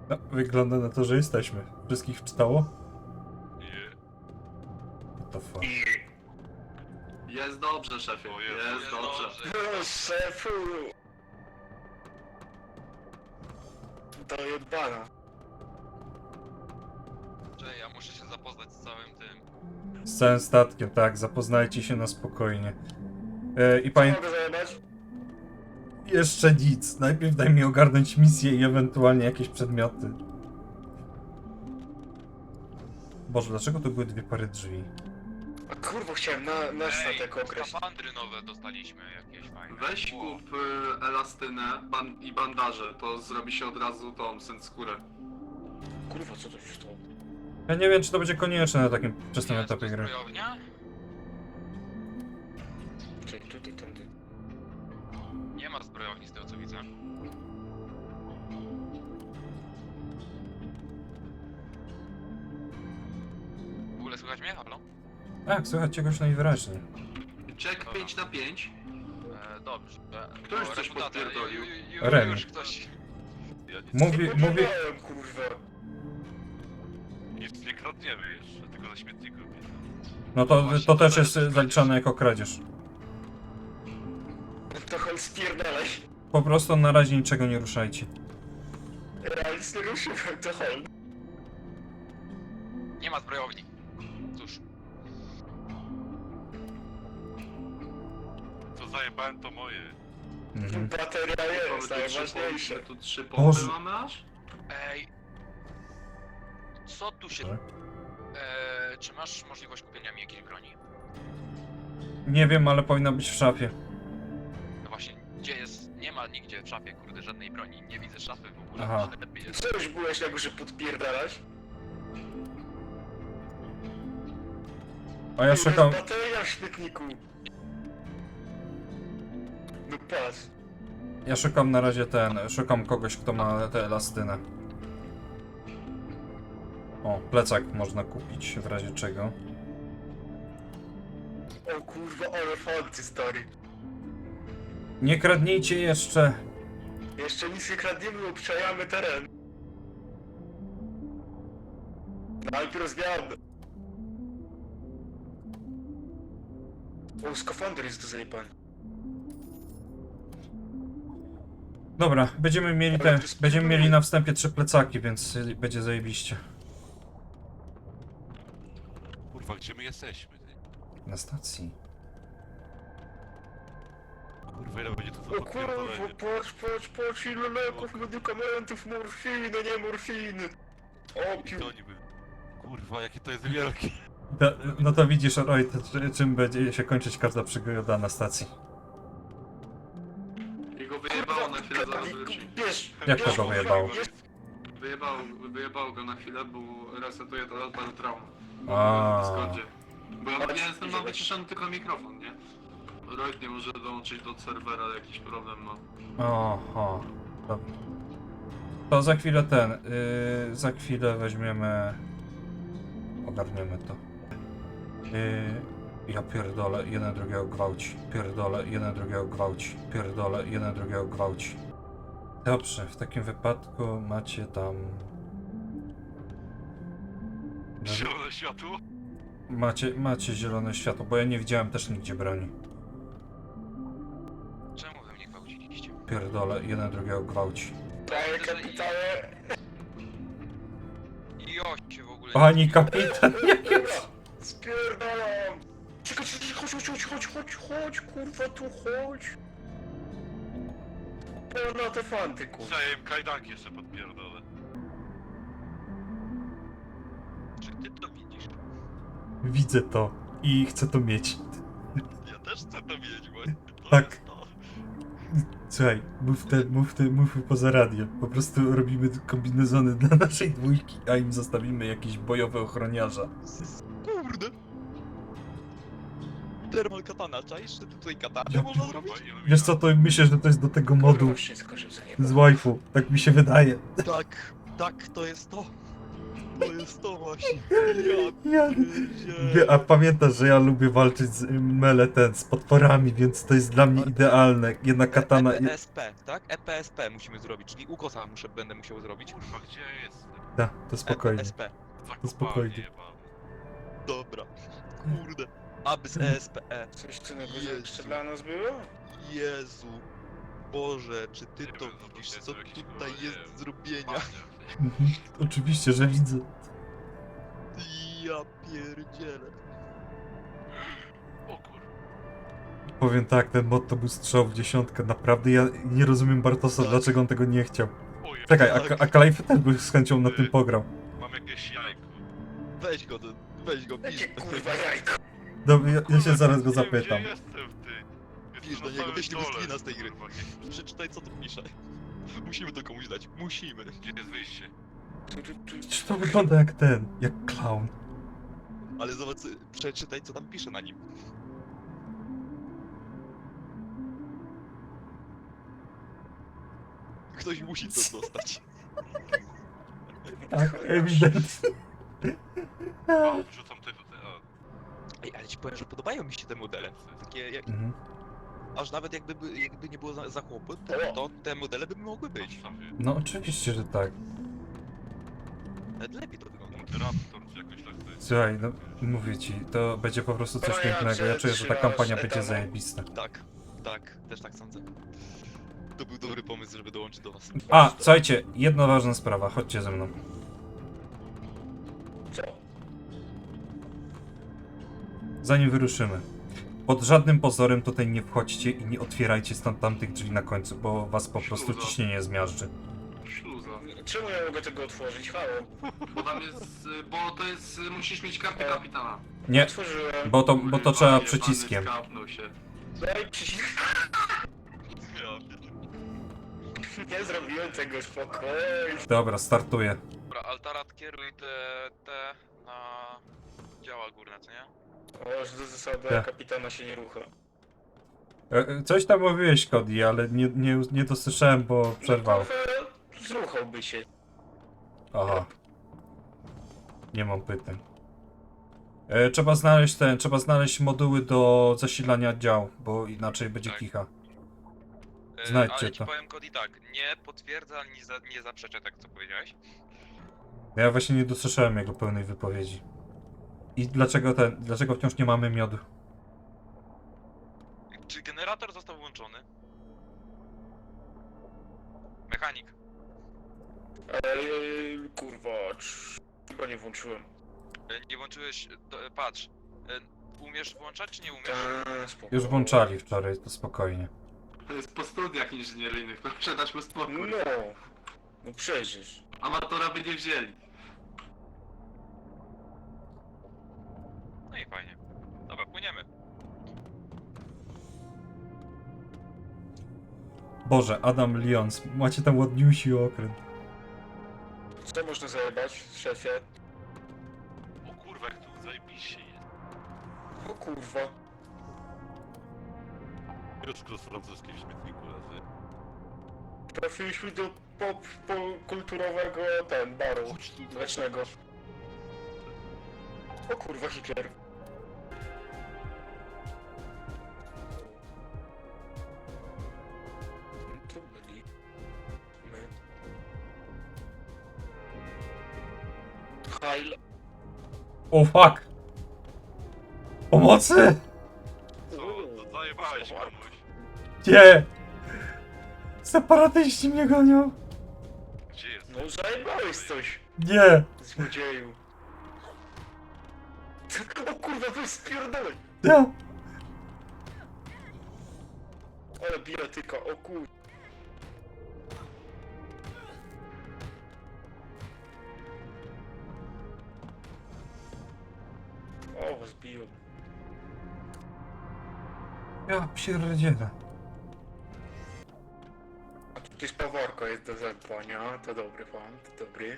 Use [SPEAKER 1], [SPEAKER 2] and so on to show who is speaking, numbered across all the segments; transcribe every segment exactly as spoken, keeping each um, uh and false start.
[SPEAKER 1] No, wygląda na to, że jesteśmy. Wszystkich wczytało?
[SPEAKER 2] Nie.
[SPEAKER 1] What the fuck?
[SPEAKER 3] Jest dobrze, szefie,
[SPEAKER 2] O Jezu,
[SPEAKER 3] jest
[SPEAKER 2] jest
[SPEAKER 3] dobrze.
[SPEAKER 2] dobrze.
[SPEAKER 4] O, szefu! To jebana.
[SPEAKER 5] Czekaj, ja muszę się zapoznać z całym tym.
[SPEAKER 1] Z całym statkiem, tak, zapoznajcie się na spokojnie. E, I pamię...
[SPEAKER 4] Mogę zajebać?
[SPEAKER 1] Jeszcze nic. Najpierw daj mi ogarnąć misję i ewentualnie jakieś przedmioty. Boże, dlaczego to były dwie pary drzwi?
[SPEAKER 4] A kurwa, chciałem na, na statek określić.
[SPEAKER 5] skafandry nowe dostaliśmy jakieś fajne.
[SPEAKER 3] Weź
[SPEAKER 5] Wow.
[SPEAKER 3] kup y, elastynę ban i bandaże, to zrobi się od razu tą skórę.
[SPEAKER 4] Kurwa, co to się stało?
[SPEAKER 1] Ja nie wiem, czy to będzie konieczne na takim wczesnym
[SPEAKER 5] Jest
[SPEAKER 1] etapie
[SPEAKER 5] tu
[SPEAKER 1] gry.
[SPEAKER 5] zbrojownia?
[SPEAKER 4] Czekaj, tutaj, tędy.
[SPEAKER 5] Nie ma zbrojowni z tego co widzę. W ogóle słychać mnie? Halo?
[SPEAKER 1] Tak, słychać czegoś najwyraźniej.
[SPEAKER 3] Check pięć na pięć.
[SPEAKER 5] E, dobrze. E,
[SPEAKER 3] Kto już
[SPEAKER 5] o,
[SPEAKER 3] coś
[SPEAKER 5] reputacja.
[SPEAKER 3] podpierdolił?
[SPEAKER 5] Ju- ju- ju-
[SPEAKER 1] Remi.
[SPEAKER 5] Już ktoś.
[SPEAKER 2] Ja nic,
[SPEAKER 1] Mówi,
[SPEAKER 4] Nie
[SPEAKER 1] mówi...
[SPEAKER 4] powiedziałem, kurwa.
[SPEAKER 2] nic nie kradniemy jeszcze, tylko na śmietniku.
[SPEAKER 1] No to, to też jest zaliczane jako kradzież.
[SPEAKER 4] To chodź spierdalaj.
[SPEAKER 1] Po prostu na razie niczego nie ruszajcie.
[SPEAKER 4] Ja nic nie ruszyłem, to chodź.
[SPEAKER 5] Nie ma zbrojowni. Cóż.
[SPEAKER 2] Co zajebałem to moje.
[SPEAKER 1] Mhm.
[SPEAKER 4] Bateria jest
[SPEAKER 3] Mamy tu trzy
[SPEAKER 4] najważniejsze.
[SPEAKER 3] pompy, tu trzy
[SPEAKER 1] Boże.
[SPEAKER 3] pompy mamy aż?
[SPEAKER 5] Ej. Co tu się...
[SPEAKER 1] Tak.
[SPEAKER 5] E, czy masz możliwość kupienia mi jakiejś broni?
[SPEAKER 1] Nie wiem, ale powinna być w szafie.
[SPEAKER 5] No właśnie, gdzie jest... Nie ma nigdzie w szafie, kurde, żadnej broni. Nie widzę szafy w ogóle.
[SPEAKER 1] Aha.
[SPEAKER 5] Lepiej jest.
[SPEAKER 4] Co już byłeś na górze podpierdalać?
[SPEAKER 1] A ja szukam...
[SPEAKER 4] Bateria w śmietniku. No patrz.
[SPEAKER 1] Ja szukam na razie ten... Szukam kogoś, kto ma tę elastynę. O, plecak można kupić w razie czego.
[SPEAKER 4] O kurwa, ale fancy, stary.
[SPEAKER 1] Nie kradnijcie jeszcze!
[SPEAKER 4] Jeszcze nic nie kradniemy, obczajamy teren. Najpierw zmiany. O, skafander jest do zajebania.
[SPEAKER 1] Dobra, będziemy mieli te... Będziemy mieli na wstępie trzy plecaki, więc y, będzie zajebiście.
[SPEAKER 2] Kurwa, gdzie my jesteśmy, ty?
[SPEAKER 1] Na stacji.
[SPEAKER 2] Kurwa, ile będzie to za
[SPEAKER 4] O kurwa,
[SPEAKER 2] podpierdolenie?
[SPEAKER 4] patrz, patrz, patrz, ile leków, medykamentów, morfiny, nie morfiny.
[SPEAKER 2] I
[SPEAKER 4] Opium.
[SPEAKER 2] to oni by... Kurwa, jakie to jest wielkie.
[SPEAKER 1] Da, no to widzisz, Roy, to, czy- czym będzie się kończyć każda przygoda na stacji.
[SPEAKER 3] I go wyjebało na chwilę, zaraz wróci.
[SPEAKER 4] Bierz,
[SPEAKER 1] Jak
[SPEAKER 4] bierz,
[SPEAKER 1] to go wyjebało?
[SPEAKER 4] bierz.
[SPEAKER 3] Wyjebało, wyjebało go na chwilę, bo resetuje to odpal traum.
[SPEAKER 1] A.
[SPEAKER 3] W Discordzie. Bo ja, ja jestem mam wyciszony tylko mikrofon, nie? Royd nie może dołączyć do serwera, jakiś problem ma.
[SPEAKER 1] Oho. Dobra. To za chwilę ten, yy, za chwilę weźmiemy... Ogarniemy to. Yy, ja pierdolę, jeden drugiego gwałci. Pierdolę, jeden drugiego gwałci. Pierdolę, jeden drugiego gwałci. Dobrze, w takim wypadku macie tam...
[SPEAKER 2] Zielone światło?
[SPEAKER 1] Macie, macie zielone światło, bo ja nie widziałem też nigdzie broni.
[SPEAKER 5] Czemu wy mnie gwałciliście?
[SPEAKER 1] Pierdolę, jeden drugiego gwałci.
[SPEAKER 4] Panie kapitanie.
[SPEAKER 5] I oście w ogóle...
[SPEAKER 1] Pani kapitan, nie
[SPEAKER 4] Dobra, spierdalam. Czekaj, czekaj, chodź, chodź, chodź, chodź, chodź, chodź, kurwa, tu chodź. Pełna te fanty, kurwa.
[SPEAKER 2] Zajem kajdanki jeszcze podpierdolę.
[SPEAKER 5] Czy ty to widzisz?
[SPEAKER 1] Widzę to i chcę to mieć.
[SPEAKER 5] Ja też chcę to mieć, bo... to
[SPEAKER 1] Tak.
[SPEAKER 5] jest to.
[SPEAKER 1] Słuchaj, mów te, mów te, mów poza radiem. Po prostu robimy kombinezony dla naszej dwójki, a im zostawimy jakieś bojowe ochroniarza.
[SPEAKER 5] Kurde! Thermal katana, czaisz? Czy tutaj katanę
[SPEAKER 1] Ja-
[SPEAKER 5] można zrobić?
[SPEAKER 2] Kurwa, ilu
[SPEAKER 1] Wiesz co, to myślę, że to jest do tego modu
[SPEAKER 4] Kurwa, wszystko się zajebał.
[SPEAKER 1] z waifu. Tak mi się wydaje.
[SPEAKER 5] Tak, tak, to jest to. To jest to właśnie. Ja
[SPEAKER 1] Ja... Wie, a pamiętasz, że ja lubię walczyć z mele ten, z potworami, więc to jest dla mnie idealne. Jedna katana...
[SPEAKER 5] E P S P, tak? E P S P musimy zrobić, czyli ukosa muszę, będę musiał zrobić.
[SPEAKER 2] Kurwa, gdzie ja jestem?
[SPEAKER 1] Da, to spokojnie.
[SPEAKER 5] E P S P.
[SPEAKER 2] Zakopany
[SPEAKER 1] spokojnie.
[SPEAKER 2] jebany.
[SPEAKER 5] Dobra. Kurde. Abys E S P E.
[SPEAKER 4] Coś co najgorzej
[SPEAKER 5] Jezu.
[SPEAKER 4] jeszcze dla nas było?
[SPEAKER 5] Jezu. Boże, czy ty
[SPEAKER 2] Nie
[SPEAKER 5] to
[SPEAKER 2] wiem, no to
[SPEAKER 5] widzisz,
[SPEAKER 2] jest
[SPEAKER 5] co
[SPEAKER 2] jakiś,
[SPEAKER 5] tutaj
[SPEAKER 2] kurwa, nie
[SPEAKER 5] jest
[SPEAKER 2] wiem,
[SPEAKER 5] do zrobienia?
[SPEAKER 2] Panie.
[SPEAKER 1] Mhm. Oczywiście, że widzę.
[SPEAKER 5] Ja pierdzielę.
[SPEAKER 2] O kurwa.
[SPEAKER 1] Powiem tak, ten mod to był strzał w dziesiątkę. Naprawdę ja nie rozumiem Bartosa,
[SPEAKER 5] Tak.
[SPEAKER 1] dlaczego on tego nie chciał.
[SPEAKER 2] Oj,
[SPEAKER 1] Czekaj, a,
[SPEAKER 5] Tak.
[SPEAKER 1] a Kalajfy też by z chęcią na tym pograł.
[SPEAKER 2] mam jakieś jajko.
[SPEAKER 5] Weź go, weź go, pisz.
[SPEAKER 4] Jakie kurwa jajko?
[SPEAKER 1] Dobra, ja, ja się zaraz go
[SPEAKER 2] Nie wiem,
[SPEAKER 1] zapytam.
[SPEAKER 2] Gdzie jestem, ty? Jestem
[SPEAKER 5] Pisz
[SPEAKER 2] na
[SPEAKER 5] do niego,
[SPEAKER 2] samym
[SPEAKER 5] wyślij mu
[SPEAKER 2] dole,
[SPEAKER 5] screena z tej gry.
[SPEAKER 2] kurwa, nie-
[SPEAKER 5] Przeczytaj, co tu pisze. Musimy to komuś dać, musimy.
[SPEAKER 2] Gdzie jest wyjście?
[SPEAKER 1] Przecież to wygląda jak ten, jak clown.
[SPEAKER 5] Ale zobacz, przeczytaj, co tam pisze na nim. Ktoś musi to dostać.
[SPEAKER 1] Tak, ewidentnie.
[SPEAKER 2] O, wrzucam te tutaj. O,
[SPEAKER 5] Ej, ale ci powiem, że podobają mi się te modele. Takie, jak,
[SPEAKER 1] Mhm.
[SPEAKER 5] aż nawet jakby, by- jakby nie było za, za chłopy, to, to te modele by mogły być.
[SPEAKER 2] masz sobie
[SPEAKER 1] No oczywiście, że tak.
[SPEAKER 5] Nawet lepiej to wygląda.
[SPEAKER 2] moderator czy jakoś tak to jest.
[SPEAKER 1] Słuchaj, no mówię ci, to będzie po prostu coś
[SPEAKER 4] No ja
[SPEAKER 1] pięknego. Ja
[SPEAKER 4] cię
[SPEAKER 1] czuję, że ta
[SPEAKER 4] trzymasz
[SPEAKER 1] kampania będzie
[SPEAKER 4] etanu.
[SPEAKER 1] zajebista.
[SPEAKER 5] Tak, tak, też tak sądzę. To był dobry pomysł, żeby dołączyć do was.
[SPEAKER 1] A, słuchajcie, jedna ważna sprawa, chodźcie ze mną.
[SPEAKER 4] Co?
[SPEAKER 1] Zanim wyruszymy. Pod żadnym pozorem tutaj nie wchodźcie i nie otwierajcie stąd tamtych drzwi na końcu, bo was po prostu
[SPEAKER 3] Śluza.
[SPEAKER 1] ciśnienie zmiażdży.
[SPEAKER 3] Śluza.
[SPEAKER 4] Czemu ja mogę tego otworzyć? Halo?
[SPEAKER 3] Bo tam jest, y, bo to jest, y, musisz mieć kartę kapitana.
[SPEAKER 1] Nie,
[SPEAKER 4] Otworzyłem.
[SPEAKER 1] bo to, bo to
[SPEAKER 3] Kurwa,
[SPEAKER 1] trzeba
[SPEAKER 3] jebany
[SPEAKER 1] przyciskiem.
[SPEAKER 3] skapnął się.
[SPEAKER 4] Daj przycisk.
[SPEAKER 2] Ja pierdolę.
[SPEAKER 4] Nie zrobiłem tego, spokojnie.
[SPEAKER 1] Dobra, startuję.
[SPEAKER 5] Dobra, Altarat, kieruj te, te na działa górne, co nie?
[SPEAKER 4] O, że do zasady
[SPEAKER 1] Tak.
[SPEAKER 4] kapitana się nie rucha.
[SPEAKER 1] E, e, Coś tam mówiłeś, Cody, ale nie, nie, nie dosłyszałem, bo przerwał.
[SPEAKER 4] No, trochę zruchałby się.
[SPEAKER 1] Aha. Nie mam pytań. E, trzeba znaleźć ten, trzeba znaleźć moduły do zasilania dział, bo inaczej będzie
[SPEAKER 5] Tak.
[SPEAKER 1] kicha.
[SPEAKER 5] E,
[SPEAKER 1] Znajdźcie
[SPEAKER 5] ale ci
[SPEAKER 1] to.
[SPEAKER 5] powiem, Cody, tak, nie potwierdza ani za, nie zaprzecza, tak co powiedziałeś.
[SPEAKER 1] Ja właśnie nie dosłyszałem jego pełnej wypowiedzi. I dlaczego ten, dlaczego wciąż nie mamy miodu?
[SPEAKER 5] Czy generator został włączony? Mechanik.
[SPEAKER 4] Eee, kurwa, cz- chyba nie włączyłem.
[SPEAKER 5] E, Nie włączyłeś, to, e, patrz. E, Umiesz włączać, czy nie umiesz?
[SPEAKER 4] Ta, spokojnie.
[SPEAKER 1] Już włączali wczoraj, to spokojnie.
[SPEAKER 3] To jest po studiach inżynieryjnych, proszę dać mu spokój.
[SPEAKER 4] No, no przecież.
[SPEAKER 3] Amatora by nie wzięli.
[SPEAKER 5] No i fajnie. Dobra, płyniemy.
[SPEAKER 1] Boże, Adam Lyons, macie tam ładniusi okręt.
[SPEAKER 4] Co można zajebać, szefie?
[SPEAKER 2] O kurwa, jak tu zajebiście jest.
[SPEAKER 4] O kurwa.
[SPEAKER 2] Piotrko z francuskim w śmietniku leży.
[SPEAKER 4] Trafiliśmy do pop, po kulturowego ten, baru
[SPEAKER 2] Chodź tu.
[SPEAKER 4] mlecznego. O kurwa, Hitler. Tu byli. My. Heil.
[SPEAKER 1] O fuck! Pomocy!
[SPEAKER 2] Co? To zajebałeś komuś.
[SPEAKER 1] Nie! Separatyści mnie gonią!
[SPEAKER 2] Gdzie jest?
[SPEAKER 4] No zajebałeś coś,
[SPEAKER 1] Nie!
[SPEAKER 4] złodzieju. O kurwa, to jest spierdolę.
[SPEAKER 1] Ja!
[SPEAKER 4] Ale bijatyka, o kur... O, was biją.
[SPEAKER 1] Ja pierdzielę.
[SPEAKER 4] A tu jest paworko, jest do zadbania. To dobry pan, to dobry.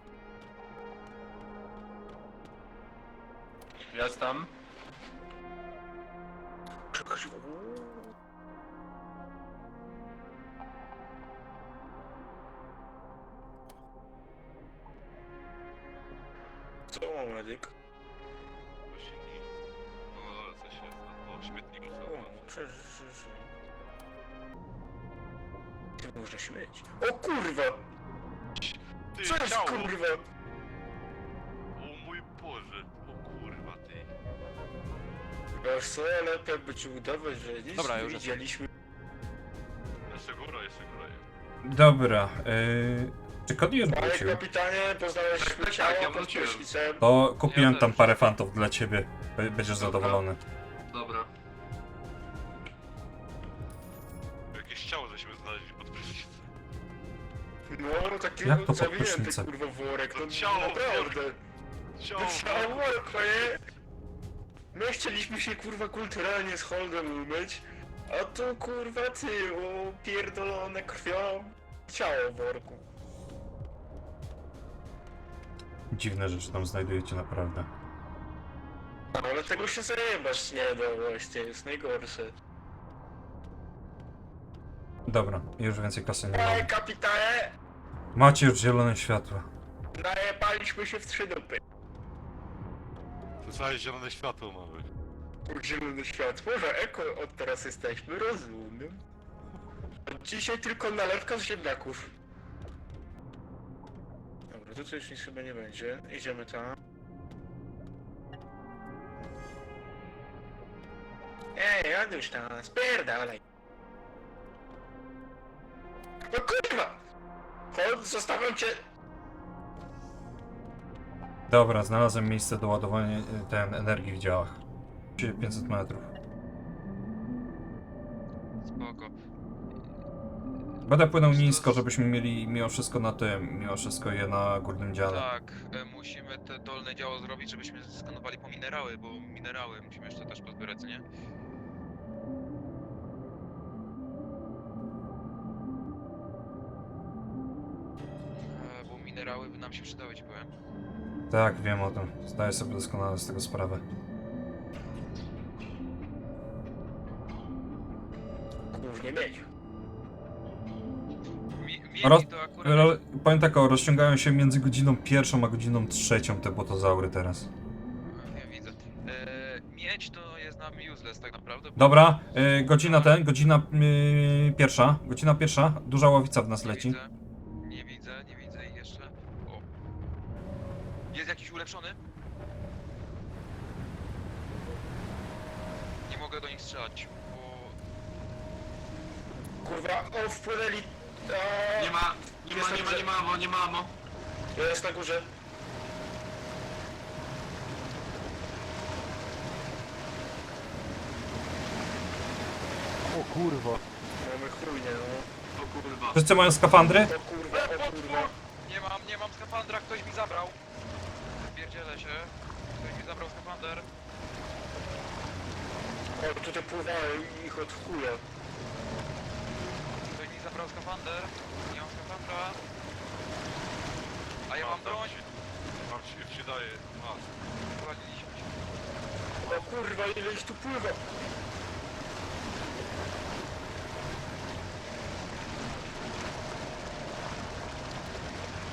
[SPEAKER 3] Jestem.
[SPEAKER 4] Czekaj, uuu. środek.
[SPEAKER 2] Właśnie nie. No ale coś jest. O, śmietniku
[SPEAKER 4] O,
[SPEAKER 2] są.
[SPEAKER 4] przeżyj. Ty można śmieć. O kurwa!
[SPEAKER 2] Ty,
[SPEAKER 4] Co jest
[SPEAKER 2] ciało!
[SPEAKER 4] kurwa?
[SPEAKER 2] O mój Boże. O kurwa, ty.
[SPEAKER 4] Wiesz co, lepiej jakby ci udawać, że nic
[SPEAKER 5] Dobra,
[SPEAKER 4] nie
[SPEAKER 5] już
[SPEAKER 4] widzieliśmy.
[SPEAKER 2] Jeszcze góra, jeszcze góra jest.
[SPEAKER 1] Dobra, yy, czy Cody już
[SPEAKER 4] Panie
[SPEAKER 1] wrócił?
[SPEAKER 4] kapitanie, poznałeś
[SPEAKER 3] Tak, tak,
[SPEAKER 4] ciało
[SPEAKER 3] tak, ja
[SPEAKER 4] pod
[SPEAKER 3] wróciłem.
[SPEAKER 4] prysznicem.
[SPEAKER 1] To kupiłem
[SPEAKER 5] Ja
[SPEAKER 1] tam
[SPEAKER 5] też.
[SPEAKER 1] parę fantów dla ciebie. B- Będziesz
[SPEAKER 3] Dobra.
[SPEAKER 1] zadowolony.
[SPEAKER 3] Dobra.
[SPEAKER 2] Jakieś ciało żeśmy znaleźli pod prysznicem.
[SPEAKER 4] No, takiego
[SPEAKER 1] Jak to pod
[SPEAKER 4] zawinięty,
[SPEAKER 1] prysznicem?
[SPEAKER 4] kurwa worek,
[SPEAKER 2] To
[SPEAKER 4] no
[SPEAKER 2] ciało
[SPEAKER 4] naprawdę.
[SPEAKER 2] Ciało!
[SPEAKER 4] To ciało worek, nie? My chcieliśmy się kurwa kulturalnie z Holdem umyć, a tu kurwa ty, o pierdolone krwią. Ciało w worku.
[SPEAKER 1] Dziwne rzeczy tam znajdujecie naprawdę.
[SPEAKER 4] No, ale tego się zajebać nie da właśnie, jest najgorsze.
[SPEAKER 1] Dobra, już więcej kasy nie
[SPEAKER 4] Ej,
[SPEAKER 1] mam.
[SPEAKER 4] kapitanie!
[SPEAKER 1] Macie już zielone światło.
[SPEAKER 4] Najebaliśmy się w trzy dupy.
[SPEAKER 2] To całe zielone światło mamy.
[SPEAKER 4] Zielone światło, że eko od teraz jesteśmy, rozumiem. Od dzisiaj tylko nalewka z ziemniaków. Dobra, tu coś nic chyba nie będzie. Idziemy tam. Ej, Janusz tam, spierdalaj. No kurwa! Chodź, zostawiam cię!
[SPEAKER 1] Dobra, znalazłem miejsce do ładowania y, ten energii w działach. pięćset metrów.
[SPEAKER 5] Spoko.
[SPEAKER 1] Będę płynął nisko, żebyśmy mieli mimo wszystko na tym, mimo wszystko je na górnym dziale.
[SPEAKER 5] Tak, e, musimy te dolne działo zrobić, żebyśmy skanowali po minerały, bo minerały musimy jeszcze też pozbierać, co nie? E, bo minerały by nam się przydały, ci powiem.
[SPEAKER 1] Tak, wiem o tym. Zdaję sobie doskonale z tego sprawę.
[SPEAKER 4] Głównie mieć.
[SPEAKER 5] Mi,
[SPEAKER 1] Roz-
[SPEAKER 5] mieli to akurat...
[SPEAKER 1] Ro, powiem tak, o, rozciągają się między godziną pierwszą a godziną trzecią te botozaury teraz.
[SPEAKER 5] Nie widzę. E, miedź to jest nam useless tak naprawdę. bo-
[SPEAKER 1] Dobra, y, godzina ten, godzina y, pierwsza, godzina pierwsza, duża ławica w nas
[SPEAKER 5] Nie
[SPEAKER 1] leci.
[SPEAKER 5] widzę, nie widzę, nie widzę ich jeszcze. O. Jest jakiś ulepszony? Nie mogę do nich strzelać, bo...
[SPEAKER 4] Kurwa, o, wpłynęli. A,
[SPEAKER 3] Nie ma, nie ma, nie ma, nie ma, amo, nie ma, amo.
[SPEAKER 4] Jest na górze.
[SPEAKER 6] O kurwa.
[SPEAKER 4] Mamy chujnie, no.
[SPEAKER 3] O kurwa.
[SPEAKER 1] Wszyscy mają skafandry?
[SPEAKER 4] O kurwa, o kurwa.
[SPEAKER 5] Nie mam, nie mam skafandra, ktoś mi zabrał. Pierdzielę się. Ktoś mi zabrał skafander.
[SPEAKER 4] O, tutaj pływają ich od chuja.
[SPEAKER 5] Ktoś mi zabrał skafander. Nie mam skafandra. A ja mam broń.
[SPEAKER 2] Mam ci, ci daje. Masz.
[SPEAKER 5] Zwaliliśmy się.
[SPEAKER 4] O kurwa, ile ich tu pływa.